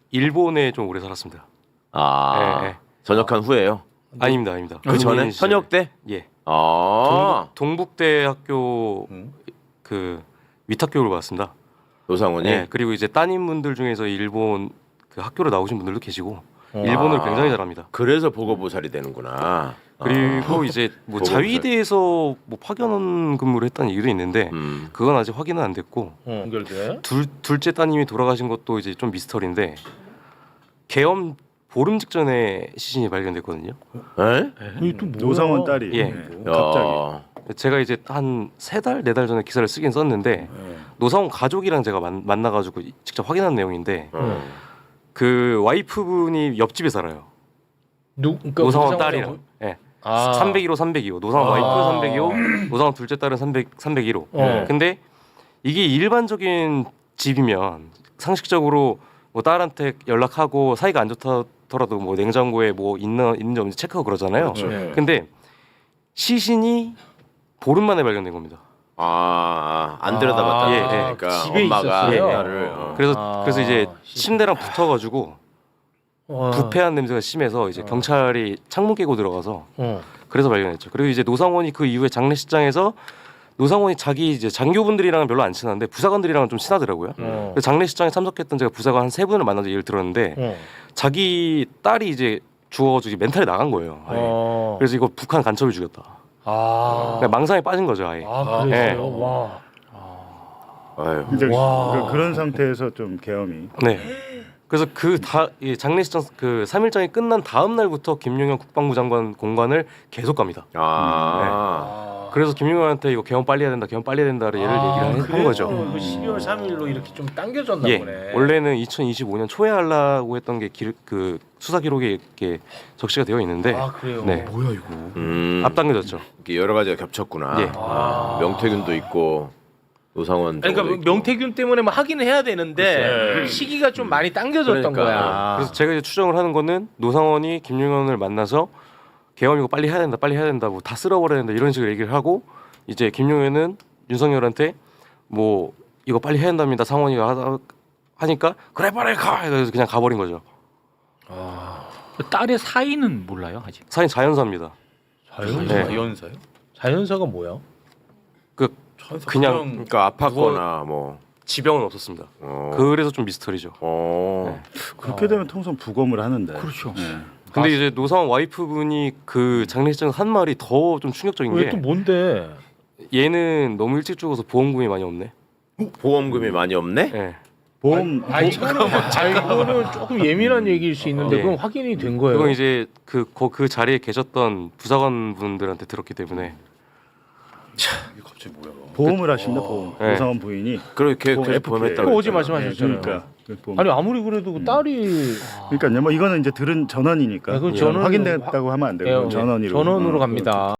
일본에 좀 오래 살았습니다. 아, 네, 네. 전역한 후에요? 아닙니다, 아닙니다. 그 전에 시절에. 현역 때? 예. 아, 동북대 학교 그 위탁교육을 받았습니다. 노상원이. 예. 그리고 이제 따님분들 중에서 일본 그 학교로 나오신 분들도 계시고 일본을 굉장히 잘합니다. 그래서 보고보살이 되는구나. 그리고 이제 뭐 보고보살. 자위대에서 뭐 파견 근무를 했다는 얘기도 있는데 그건 아직 확인은 안 됐고 연결돼. 둘째 따님이 돌아가신 것도 이제 좀 미스터리인데 계엄 보름 직전에 시신이 발견됐거든요. 에? 이게 또 뭐야? 노상원 딸이 예. 갑자기 야, 제가 이제 한 3달, 4달 전에 기사를 쓰긴 썼는데 노상원 가족이랑 제가 만나가지고 직접 확인한 내용인데 그 와이프분이 옆집에 살아요. 그러니까 노상원 딸이랑. 예. 301호, 302호. 노상원 와이프 302호, 노상원 둘째 딸은 301호. 근데 이게 일반적인 집이면 상식적으로 뭐 딸한테 연락하고 사이가 안 좋더라도 뭐 냉장고에 뭐 있는지 없는지 체크하고 그러잖아요. 그렇죠. 네. 근데 시신이 보름 만에 발견된 겁니다. 안 들여다봤다. 예, 그러니까 집에 엄마가 있었어요? 딸을. 그래서 이제 침대랑 붙어가지고 부패한 냄새가 심해서 이제 경찰이 창문 깨고 들어가서 그래서 발견했죠. 그리고 이제 노상원이 그 이후에 장례식장에서 노상원이 자기 이제 장교분들이랑은 별로 안 친한데 부사관들이랑은 좀 친하더라고요. 그래서 장례식장에 참석했던 제가 부사관 한 3분을 만나서 얘기를 들었는데 자기 딸이 이제 죽어가지고 멘탈이 나간 거예요. 아예. 그래서 이거 북한 간첩이 죽였다. 그러니까 망상에 빠진 거죠 아예. 그랬어요. 네. 와. 아유. 이제 와. 그런 상태에서 좀 계엄이 네. 그래서 장례식장 그 3일장이 끝난 다음 날부터 김용현 국방부 장관 공관을 계속 갑니다. 그래서 김용현한테 이거 개헌 빨리 해야 된다, 개헌 빨리 해야 된다를 얘를 얘기를 한 거죠. 그 12월 3일로 이렇게 좀 당겨졌나 예. 보네. 원래는 2025년 초에 하려고 했던 게 그 수사 기록에 이렇게 적시가 되어 있는데 그래요. 네. 뭐야 이거? 앞당겨졌죠. 이게 여러 가지가 겹쳤구나. 예. 명태균도 있고 노상원. 그러니까 저거도 있고. 명태균 때문에 뭐 하기는 해야 되는데 시기가 좀 많이 당겨졌던 그러니까. 거야. 그래서 제가 이제 추정을 하는 거는 노상원이 김용현을 만나서 개헌 이거 빨리 해야 된다, 빨리 해야 된다, 뭐 다 쓸어버려야 된다 이런 식으로 얘기를 하고 이제 김용현은 윤석열한테 뭐 이거 빨리 해야 된답니다. 상원이가 하니까 그래 빨리 가. 그래서 그냥 가버린 거죠. 딸의 사이는 몰라요 아직. 사인 자연사입니다. 자연사요? 자연사가 뭐야? 그냥 그러니까 아팠거나 뭐. 지병은 없었습니다. 그래서 좀 미스터리죠. 그렇게 되면 통상 부검을 하는데. 그렇죠. 근데 이제 노상원 와이프분이 그 장례식장 한 말이 더 좀 충격적인 왜 게 또 뭔데? 얘는 너무 일찍 죽어서 보험금이 많이 없네. 보험금이 많이 없네? 네. 보험 잠깐만. 이거는 조금 예민한 얘기일 수 있는데 네. 그건 확인이 된 거예요. 그건 이제 그 자리에 계셨던 부사관 분들한테 들었기 때문에 보험을 하신다 보험. 네. 노상원 부인이. 그렇게 FPA. 보험했다고. 그거 어제 그랬잖아. 말씀하셨잖아요. 그러니까 그 보험. 아니 아무리 그래도 그 딸이 그러니까요. 뭐 이거는 이제 들은 전원이니까 네, 그건 전원- 확인됐다고 하면 안 되고 전원으로. 전원으로 갑니다.